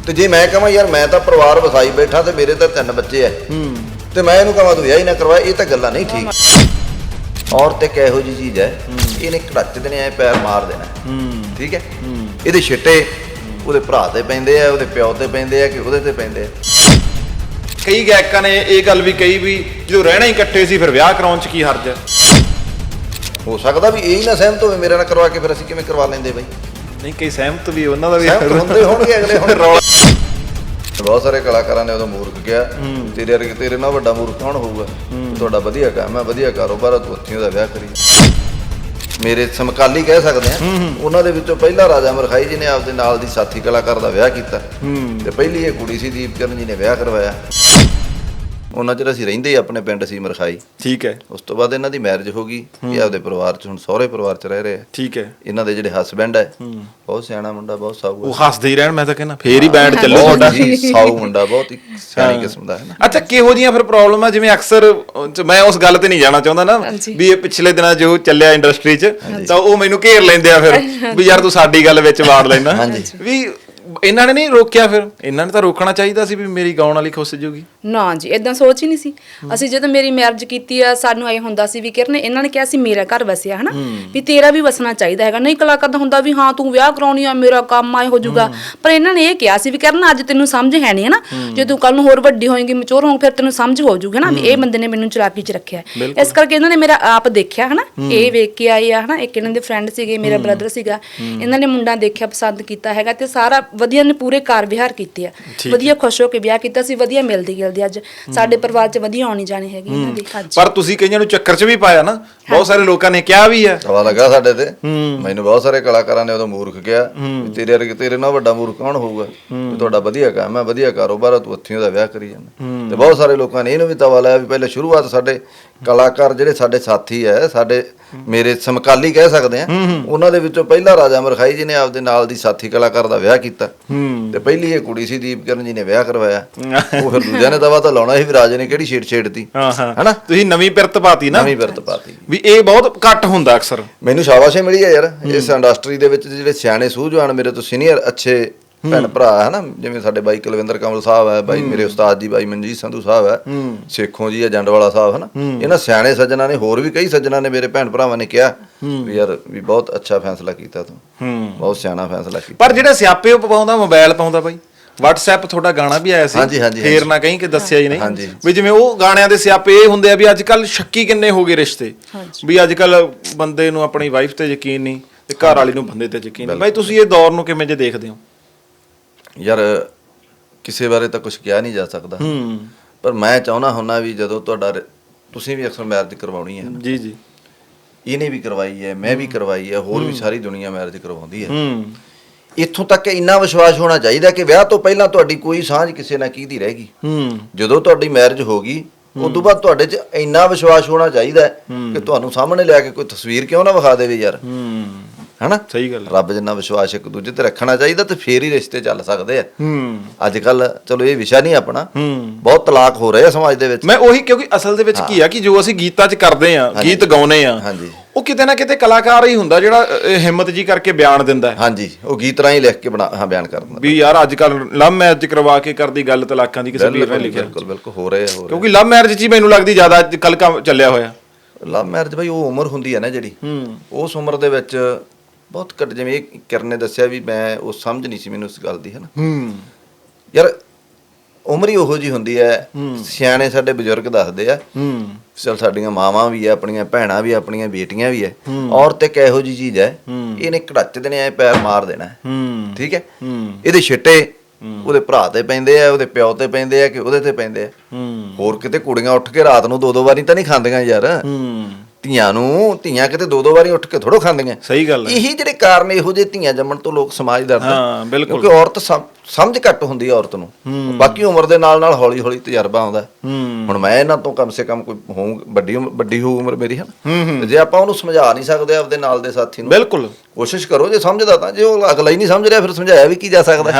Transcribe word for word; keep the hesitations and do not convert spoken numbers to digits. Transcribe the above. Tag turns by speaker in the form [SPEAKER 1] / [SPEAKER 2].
[SPEAKER 1] ਤੇ ਜੇ ਮੈਂ ਕਹਾਂ ਯਾਰ ਮੈਂ ਤਾਂ ਪਰਿਵਾਰ ਵਸਾਈ ਬੈਠਾ ਤੇ ਮੇਰੇ ਤਾਂ ਤਿੰਨ ਬੱਚੇ ਐ ਤੇ ਮੈਂ ਇਹਨੂੰ ਕਹਾਂ ਤੂੰ ਵਿਆਹ ਹੀ ਨਾ ਕਰਵਾ, ਇਹ ਤਾਂ ਗੱਲਾਂ ਨਹੀਂ ਠੀਕ। ਔਰਤ ਇੱਕ ਇਹੋ ਜਿਹੀ ਚੀਜ਼ ਹੈ, ਇਹਨੇ ਘੜੱਚ ਦੇਣੇ ਐ, ਪੈਰ ਮਾਰ ਦੇਣਾ, ਠੀਕ ਹੈ। ਇਹਦੇ ਛਿੱਟੇ ਉਹਦੇ ਭਰਾ ਤੇ ਪੈਂਦੇ ਆ, ਉਹਦੇ ਪਿਓ ਤੇ ਪੈਂਦੇ ਆ ਕਿ ਉਹਦੇ ਤੇ ਪੈਂਦੇ ਆ।
[SPEAKER 2] ਕਈ ਗਾਇਕਾਂ ਨੇ ਇਹ ਗੱਲ ਵੀ ਕਹੀ ਵੀ ਜਦੋਂ ਰਹਿਣਾ ਹੀ ਇਕੱਠੇ ਸੀ ਫਿਰ ਵਿਆਹ ਕਰਾਉਣ ਚ ਕੀ ਹਰਜ ਹੈ।
[SPEAKER 1] ਹੋ ਸਕਦਾ ਵੀ ਇਹ ਹੀ ਨਾ ਸਹਿਮਤ ਹੋਵੇ ਮੇਰੇ ਨਾਲ ਕਰਵਾ ਕੇ, ਫਿਰ ਅਸੀਂ ਕਿਵੇਂ ਕਰਵਾ ਲੈਂਦੇ ਬਈ।
[SPEAKER 2] ਨਹੀਂ ਕਈ ਸਹਿਮਤ ਵੀ ਉਹਨਾਂ ਦਾ ਵੀ
[SPEAKER 1] ਸਹਿਮਤ ਹੁੰਦੇ ਹੋਣਗੇ ਅਗਲੇ। ਹੁਣ ਰੌਲਾ ਬਹੁਤ ਸਾਰੇ ਕਲਾਕਾਰਾਂ ਨੇ ਉਦੋਂ ਮੂਰਖ ਕਿਹਾ, ਤੇਰੇ ਵਰਗੇ ਤੇਰੇ ਨਾਲ ਵੱਡਾ ਮੂਰਖ ਕੌਣ ਹੋਊਗਾ, ਤੁਹਾਡਾ ਵਧੀਆ ਕੰਮ ਹੈ, ਵਧੀਆ ਕਾਰੋਬਾਰ, ਤੂੰ ਉੱਥੇ ਉਹਦਾ ਵਿਆਹ ਕਰੀ। ਮੇਰੇ ਸਮਕਾਲੀ ਕਹਿ ਸਕਦੇ ਆ, ਉਹਨਾਂ ਦੇ ਵਿੱਚੋਂ ਪਹਿਲਾ ਰਾਜਾ ਮਰਖਾਈ ਜੀ ਨੇ ਆਪਦੇ ਨਾਲ ਦੀ ਸਾਥੀ ਕਲਾਕਾਰ ਦਾ ਵਿਆਹ ਕੀਤਾ ਤੇ ਪਹਿਲੀ ਇਹ ਕੁੜੀ ਸੀ ਦੀਪਕਰਨ ਜੀ ਨੇ ਵਿਆਹ ਕਰਵਾਇਆ। ਉਹਨਾਂ ਚਿਰ ਅਸੀਂ ਰਹਿੰਦੇ ਆਪਣੇ ਪਿੰਡ ਸੀ ਮਰਖਾਈ, ਠੀਕ ਹੈ। ਉਸ ਤੋਂ ਬਾਅਦ ਇਹਨਾਂ ਦੀ ਮੈਰਿਜ ਹੋ ਗਈ, ਇਹ ਆਪਦੇ ਪਰਿਵਾਰ ਚ ਹੁਣ ਸਹੁਰੇ ਪਰਿਵਾਰ ਚ ਰਹਿ ਰਹੇ ਆ, ਠੀਕ ਹੈ। ਇਹਨਾਂ ਦੇ ਜਿਹੜੇ ਹਸਬੈਂਡ ਹੈ ਬਹੁਤ ਸਿਆਣਾ ਮੁੰਡਾ, ਬਹੁਤ ਸਾਊ, ਉਹ
[SPEAKER 2] ਹੱਸਦੇ ਹੀ ਰਹਿਣ, ਮੈਂ ਤਾਂ ਕਹਿੰਦਾ ਫੇਰ ਹੀ ਬੈਂਡ ਚੱਲੂ ਤੁਹਾਡਾ।
[SPEAKER 1] ਸਾਊ ਮੁੰਡਾ, ਬਹੁਤ ਹੀ ਸਿਆਣੀ ਕਿਸਮ ਦਾ ਹੈ ਨਾ।
[SPEAKER 2] ਅੱਛਾ, ਕਿਹੋ ਜਿਹੀਆਂ ਫਿਰ ਪ੍ਰੋਬਲਮ ਆ, ਜਿਵੇਂ ਅਕਸਰ ਮੈਂ ਉਸ ਗੱਲ ਤੇ ਨਹੀਂ ਜਾਣਾ ਚਾਹੁੰਦਾ ਨਾ ਵੀ ਇਹ ਪਿਛਲੇ ਦਿਨਾਂ ਜੋ ਚੱਲਿਆ ਇੰਡਸਟਰੀ ਚ, ਤਾਂ ਉਹ ਮੈਨੂੰ ਘੇਰ ਲੈਂਦੇ ਆ ਫਿਰ ਵੀ ਯਾਰ ਤੂੰ ਸਾਡੀ ਗੱਲ ਵਿੱਚ ਵਾੜ ਲੈਣਾ ਵੀ ਇਹਨਾਂ ਨੇ ਨਹੀਂ ਰੋਕਿਆ। ਫਿਰ ਇਹਨਾਂ ਨੇ ਤਾਂ ਰੋਕਣਾ ਚਾਹੀਦਾ ਸੀ ਵੀ ਮੇਰੀ ਗਾਉਣ ਵਾਲੀ ਖੁੱਸ ਜੂਗੀ।
[SPEAKER 3] ਨਾ ਜੀ, ਇਦਾਂ ਸੋਚ ਹੀ ਨਹੀਂ ਸੀ। ਅਸੀਂ ਜਦੋਂ ਮੇਰੀ ਮੈਰਿਜ ਕੀਤੀ ਆ, ਸਾਨੂੰ ਇਹ ਹੁੰਦਾ ਸੀ ਵੀ ਕਿਰਨ, ਇਹਨਾਂ ਨੇ ਕਿਹਾ ਸੀ ਮੇਰਾ ਘਰ ਵਸਿਆ ਹਨਾ, ਵੀ ਤੇਰਾ ਵੀ ਵਸਣਾ ਚਾਹੀਦਾ ਹੈਗਾ। ਨਹੀਂ ਕਲਾਕਾਰ ਦਾ ਹੁੰਦਾ ਵੀ ਹਾਂ ਤੂੰ ਵਿਆਹ ਕਰਾਉਣੀ ਆ, ਮੇਰਾ ਕੰਮ ਆਏ ਹੋ ਜਾਊਗਾ। ਪਰ ਇਹਨਾਂ ਨੇ ਇਹ ਕਿਹਾ ਸੀ ਵੀ ਕਿਰਨ ਅੱਜ ਤੈਨੂੰ ਸਮਝ ਹੈ ਨਹੀਂ ਹਨਾ, ਜੇ ਤੂੰ ਕੱਲ ਨੂੰ ਹੋਰ ਵੱਡੀ ਹੋਏਗੀ, ਮੈਚੁਰ ਹੋਂ, ਫਿਰ ਤੈਨੂੰ ਸਮਝ ਹੋ ਜਾਊਗੀ ਨਾ ਵੀ ਇਹ ਬੰਦੇ ਨੇ ਮੈਨੂੰ ਚਲਾਕੀ ਚ ਰੱਖਿਆ। ਇਸ ਕਰਕੇ ਇਹਨਾਂ ਨੇ ਮੇਰਾ ਆਪ ਦੇਖਿਆ ਹਨਾ, ਇਹ ਵੇਖ ਕੇ ਆਏ ਆ ਹਨਾ। ਇੱਕ ਇਹਨਾਂ ਦੇ ਫਰੈਂਡ ਸੀਗੇ, ਮੇਰਾ ਬ੍ਰਦਰ ਸੀਗਾ, ਇਹਨਾਂ ਨੇ ਮੁੰਡਾ ਦੇਖਿਆ, ਪਸੰਦ ਕੀਤਾ ਹੈਗਾ ਤੇ ਸਾਰਾ ਵਧੀਆ ਨੇ ਪੂਰੇ ਕਾਰ ਵਿਹਾਰ ਕੀਤੇ ਆ, ਵਧੀਆ ਖੁਸ਼ ਹੋ ਕੇ ਵਿਆਹ ਕੀਤਾ ਸੀ, ਵਧੀਆ ਮਿਲਦੀ ਗਿਲਦੀ ਅੱਜ ਸਾਡੇ ਪਰਿਵਾਰ ਚ ਵਧੀਆ ਆਉਣੀ ਜਾਣੀ ਹੈਗੀ ਇਹਨਾਂ ਦੀ।
[SPEAKER 2] ਪਰ ਤੁਸੀਂ ਕਈਆਂ ਨੂੰ ਚੱਕਰ ਚ ਵੀ ਪਾਇਆ ਨਾ, ਬਹੁਤ ਸਾਰੇ ਲੋਕਾਂ ਨੇ ਕਿਹਾ ਵੀ ਹੈ,
[SPEAKER 1] ਹਵਾ ਲੱਗਾ ਸਾਡੇ ਤੇ। ਮੈਨੂੰ ਬਹੁਤ ਸਾਰੇ ਕਲਾਕਾਰਾਂ ਨੇ ਉਦੋਂ ਮੂਰਖ ਕਿਹਾ, ਤੇਰੇ ਵਰਗੇ ਤੇਰੇ ਨਾਲ ਵੱਡਾ ਮੂਰਖ ਕੌਣ ਹੋਊਗਾ, ਤੁਹਾਡਾ ਵਧੀਆ ਕੰਮ ਹੈ, ਵਧੀਆ ਕਾਰੋਬਾਰ, ਤੂੰ ਉੱਥੇ ਉਹਦਾ ਵਿਆਹ ਕਰੀ ਜਾਂਦਾ। ਤੇ ਬਹੁਤ ਸਾਰੇ ਲੋਕਾਂ ਨੇ ਇਹਨੂੰ ਵੀ ਤਵਾ ਲਾਇਆ ਵੀ ਪਹਿਲੇ ਸ਼ੁਰੂਆਤ ਸਾਡੇ ਕਲਾਕਾਰ ਜਿਹੜੇ ਸਾਡੇ ਸਾਥੀ ਹੈ, ਸਾਡੇ ਮੇਰੇ ਸਮਕਾਲੀ ਕਹਿ ਸਕਦੇ ਆ, ਉਹਨਾਂ ਦੇ ਵਿੱਚੋਂ ਪਹਿਲਾ ਰਾਜਾ ਮਰਖਾਈ ਜੀ ਨੇ ਆਪਦੇ ਨਾਲ ਦੀ ਸਾਥੀ ਕਲਾਕਾਰ ਦਾ ਵਿਆਹ ਕੀਤਾ ਤੇ ਪਹਿਲੀ ਇਹ ਕੁੜੀ ਸੀ ਦੀਪਕਰਨ ਜੀ ਨੇ ਵਿਆਹ ਕਰਵਾਇਆ। ਉਹ ਫਿਰ ਦੂਜਿਆਂ ਨੇ ਦਵਾ ਤਾਂ ਲਾਉਣਾ ਸੀ ਵੀ ਰਾਜੇ ਨੇ ਕਿਹੜੀ ਛੇੜ ਛੇੜਤੀ ਹਨਾ।
[SPEAKER 2] ਤੁਸੀਂ ਨਵੀਂ ਪਿਰਤ ਪਾਤੀ ਨਾ,
[SPEAKER 1] ਨਵੀਂ ਪਿਰਤ ਪਾਤੀ
[SPEAKER 2] ਵੀ ਇਹ ਬਹੁਤ ਘੱਟ ਹੁੰਦਾ ਅਕਸਰ।
[SPEAKER 1] ਮੈਨੂੰ ਸ਼ਾਬਾਸ਼ੇ ਮਿਲੀ ਹੈ ਯਾਰ ਇਸ ਇੰਡਸਟਰੀ ਦੇ ਵਿੱਚ, ਜਿਹੜੇ ਸਿਆਣੇ ਸੂਝਵਾਨ ਮੇਰੇ ਤੋਂ ਸੀਨੀਅਰ ਅੱਛੇ ਭੈਣ ਭਰਾ ਹੈ ਨਾ, ਜਿਵੇਂ ਸਾਡੇ ਬਾਈ ਕੁਲਵਿੰਦਰ ਕਮਲ ਸਾਹਿਬ ਹੈ, ਬਾਈ ਮੇਰੇ ਉਸਤਾਦ ਜੀ ਬਾਈ ਮਨਜੀਤ ਸੰਧੂ ਸਾਹਿਬ ਹੈ, ਸੇਖੋਂ ਜੀ ਹੈ, ਜੰਡਵਾਲਾ ਸਾਹਿਬ ਹੈ ਨਾ, ਇਹਨਾਂ ਸਿਆਣੇ ਸੱਜਣਾ ਨੇ, ਹੋਰ ਵੀ ਕਈ ਸੱਜਣਾ ਨੇ, ਮੇਰੇ ਭੈਣ ਭਰਾਵਾਂ ਨੇ ਕਿਹਾ ਵੀ ਯਾਰ ਵੀ ਬਹੁਤ ਅੱਛਾ ਫੈਸਲਾ ਕੀਤਾ ਤੂੰ, ਬਹੁਤ ਸਿਆਣਾ ਫੈਸਲਾ ਕੀਤਾ।
[SPEAKER 2] ਪਰ ਜਿਹੜੇ ਸਿਆਪੇ ਉਹ ਪਾਉਂਦਾ, ਮੋਬਾਈਲ ਪਾਉਂਦਾ ਬਾਈ, WhatsApp ਤੁਹਾਡਾ ਗਾਣਾ ਵੀ ਆਇਆ ਸੀ, ਫੇਰ ਨਾ ਕਹੀਂ ਕਿ ਦੱਸਿਆ ਹੀ ਨਹੀਂ ਵੀ ਜਿਵੇਂ ਉਹ ਗਾਣਿਆਂ ਦੇ ਸਿਆਪੇ ਇਹ ਹੁੰਦੇ ਆ ਵੀ ਅੱਜ ਕੱਲ ਸ਼ੱਕੀ ਕਿੰਨੇ ਹੋ ਗਏ ਰਿਸ਼ਤੇ, ਵੀ ਅੱਜ ਕੱਲ ਬੰਦੇ ਨੂੰ ਆਪਣੀ ਵਾਈਫ ਤੇ ਯਕੀਨ ਨਹੀਂ ਤੇ ਘਰ ਵਾਲੀ ਨੂੰ ਬੰਦੇ ਤੇ ਯਕੀਨ ਨਹੀਂ। ਬਾਈ ਤੁਸੀਂ ਇਹ ਦੌਰ ਨੂੰ ਕਿਵੇਂ ਜੇ ਦੇਖਦੇ ਹੋ?
[SPEAKER 1] ਯਾਰ ਕਿਸੇ ਬਾਰੇ ਤਾਂ ਕੁਝ ਕਿਹਾ ਨਹੀਂ ਜਾ ਸਕਦਾ, ਪਰ ਮੈਂ ਚਾਹੁੰਦਾ ਹੁੰਦਾ ਵੀ ਜਦੋਂ ਤੁਹਾਡਾ ਤੁਸੀਂ ਵੀ ਅਕਸਰ ਮੈਰਿਜ ਕਰਵਾਉਣੀ ਹੈ ਜੀ ਜੀ, ਇਹਨੇ ਵੀ ਕਰਵਾਈ ਹੈ, ਮੈਂ ਵੀ ਕਰਵਾਈ ਹੈ, ਹੋਰ ਵੀ ਸਾਰੀ ਦੁਨੀਆ ਮੈਰਿਜ ਕਰਵਾਉਂਦੀ ਹੈ। ਇੱਥੋਂ ਤੱਕ ਇੰਨਾ ਵਿਸ਼ਵਾਸ ਹੋਣਾ ਚਾਹੀਦਾ ਕਿ ਵਿਆਹ ਤੋਂ ਪਹਿਲਾਂ ਤੁਹਾਡੀ ਕੋਈ ਸਾਂਝ ਕਿਸੇ ਨਾਲ ਕਿਹਦੀ ਰਹਿ ਗਈ, ਜਦੋਂ ਤੁਹਾਡੀ ਮੈਰਿਜ ਹੋ ਗਈ ਉਦੋਂ ਬਾਅਦ ਤੁਹਾਡੇ 'ਚ ਇੰਨਾ ਵਿਸ਼ਵਾਸ ਹੋਣਾ ਚਾਹੀਦਾ ਕਿ ਤੁਹਾਨੂੰ ਸਾਹਮਣੇ ਲਿਆ ਕੇ ਕੋਈ ਤਸਵੀਰ ਕਿਉਂ ਨਾ ਵਿਖਾ ਦੇਵੇ ਯਾਰ, ਹਨਾ। ਸਹੀ ਗੱਲ, ਰੱਬ ਜਿੰਨਾ ਵਿਸ਼ਵਾਸ ਇੱਕ ਦੂਜੇ ਤੇ ਰੱਖਣਾ ਚਾਹੀਦਾ ਤੇ ਫੇਰ ਹੀ ਰਿਸ਼ਤੇ ਚੱਲ ਸਕਦੇ ਆ। ਅੱਜ ਕੱਲ ਚਲੋ ਇਹ ਵਿਸ਼ਾ ਨਹੀਂ ਆਪਣਾ, ਬਹੁਤ ਤਲਾਕ ਹੋ ਰਹੇ ਆ ਸਮਾਜ ਦੇ ਵਿੱਚ।
[SPEAKER 2] ਮੈਂ ਉਹੀ, ਕਿਉਂਕਿ ਅਸਲ ਦੇ ਵਿੱਚ ਕੀ ਆ ਕਿ ਜੋ ਅਸੀਂ ਗੀਤਾਂ 'ਚ ਕਰਦੇ ਆ, ਗੀਤ ਗਾਉਨੇ ਆ, ਉਹ ਕਿਤੇ ਨਾ ਕਿਤੇ ਕਲਾਕਾਰ ਹੀ ਹੁੰਦਾ ਜਿਹੜਾ ਹਿੰਮਤ ਜੀ ਕਰਕੇ ਬਿਆਨ ਦਿੰਦਾ ਹੈ।
[SPEAKER 1] ਹਾਂਜੀ, ਉਹ ਗੀਤ ਰਾਹੀਂ ਲਿਖ ਕੇ ਬਣਾ ਹਾਂ ਬਿਆਨ ਕਰ ਦਿੰਦਾ
[SPEAKER 2] ਵੀ ਯਾਰ ਅੱਜ ਕੱਲ ਲਵ ਮੈਰਿਜ ਕਰਵਾ ਕੇ ਕਰਦੀ ਗੱਲ ਤਲਾਕਾਂ ਦੀ, ਕਿਸੇ ਵੀਰ ਨੇ ਲਿਖਿਆ।
[SPEAKER 1] ਬਿਲਕੁਲ ਬਿਲਕੁਲ ਹੋ ਰਹੇ ਆ,
[SPEAKER 2] ਕਿਉਂਕਿ ਲਵ ਮੈਰਿਜ 'ਚ ਹੀ ਮੈਨੂੰ ਲੱਗਦੀ ਜ਼ਿਆਦਾ ਅੱਜ ਕੱਲ ਕੰਮ ਚੱਲਿਆ ਹੋਇਆ।
[SPEAKER 1] ਲਵ ਮੈਰਿਜ ਭਾਈ ਉਹ ਉਮਰ ਹੁੰਦੀ ਹੈ ਨਾ ਜਿਹੜੀ, ਉਸ ਉਮਰ ਦੇ ਵਿੱਚ ਬਹੁਤ ਘੱਟ, ਜਿਵੇਂ ਇਹ ਕਿਰਨ ਨੇ ਦੱਸਿਆ ਵੀ ਮੈਂ ਉਹ ਸਮਝ ਨਹੀਂ ਸੀ ਮੈਨੂੰ ਉਸ ਗੱਲ ਦੀ, ਹੈ ਨਾ। ਯਾਰ ਉਮਰ ਹੀ ਉਹੋ ਜਿਹੀ ਹੁੰਦੀ ਹੈ, ਸਿਆਣੇ ਸਾਡੇ ਬਜ਼ੁਰਗ ਦੱਸਦੇ ਆ, ਚਲ ਸਾਡੀਆਂ ਮਾਵਾਂ ਵੀ ਆ, ਆਪਣੀਆਂ ਭੈਣਾਂ ਵੀ, ਆਪਣੀਆਂ ਬੇਟੀਆਂ ਵੀ ਹੈ, ਔਰਤ ਇੱਕ ਇਹੋ ਜਿਹੀ ਚੀਜ਼ ਹੈ, ਇਹਨੇ ਘੜੱਚ ਦੇਣੇ ਐ, ਪੈਰ ਮਾਰ ਦੇਣਾ, ਠੀਕ ਹੈ। ਇਹਦੇ ਛਿੱਟੇ ਉਹਦੇ ਭਰਾ ਤੇ ਪੈਂਦੇ ਆ, ਉਹਦੇ ਪਿਓ ਤੇ ਪੈਂਦੇ ਆ ਕਿ ਉਹਦੇ ਤੇ ਪੈਂਦੇ ਆ। ਹੋਰ ਕਿਤੇ ਕੁੜੀਆਂ ਉੱਠ ਕੇ ਰਾਤ ਨੂੰ ਦੋ ਦੋ ਵਾਰੀ ਤਾਂ ਨਹੀਂ ਖਾਂਦੀਆਂ ਯਾਰ, ਧੀਆਂ ਨੂੰ, ਧੀਆਂ ਕਿਤੇ ਦੋ ਦੋ ਵਾਰੀ ਉੱਠ ਕੇ ਥੋੜੋ ਖਾਂਦੀਆਂ। ਸਹੀ ਗੱਲ, ਇਹੀ ਜਿਹੜੇ ਕਾਰਨ ਇਹੋ ਜਿਹੇ ਧੀਆਂ ਜੰਮਣ ਤੋਂ ਲੋਕ ਸਮਾਜ ਡਰਦੇ, ਕਿਉਂਕਿ ਔਰਤ ਸਮਝ ਘੱਟ ਹੁੰਦੀ ਹੈ ਔਰਤ ਨੂੰ, ਬਾਕੀ ਉਮਰ ਦੇ ਨਾਲ ਨਾਲ ਹੌਲੀ ਹੌਲੀ ਤਜਰਬਾ ਆਉਂਦਾ। ਹੁਣ ਮੈਂ ਇਹਨਾਂ ਤੋਂ ਕਮ ਸੇ ਕਮ ਕੋਈ ਹੋਊ ਵੱਡੀ ਵੱਡੀ ਹੋਊ ਉਮਰ ਮੇਰੀ, ਹੈ ਜੇ ਆਪਾਂ ਉਹਨੂੰ ਸਮਝਾ ਨਹੀਂ ਸਕਦੇ ਆਪਦੇ ਨਾਲ ਦੇ ਸਾਥੀ ਨੂੰ, ਬਿਲਕੁਲ ਕੋਸ਼ਿਸ਼ ਕਰੋ, ਜੇ ਸਮਝਦਾ ਤਾਂ, ਜੇ ਉਹ ਅਗਲਾ ਹੀ ਨਹੀਂ ਸਮਝ ਰਿਹਾ ਫਿਰ ਸਮਝਾਇਆ ਵੀ ਕੀ ਜਾ ਸਕਦਾ।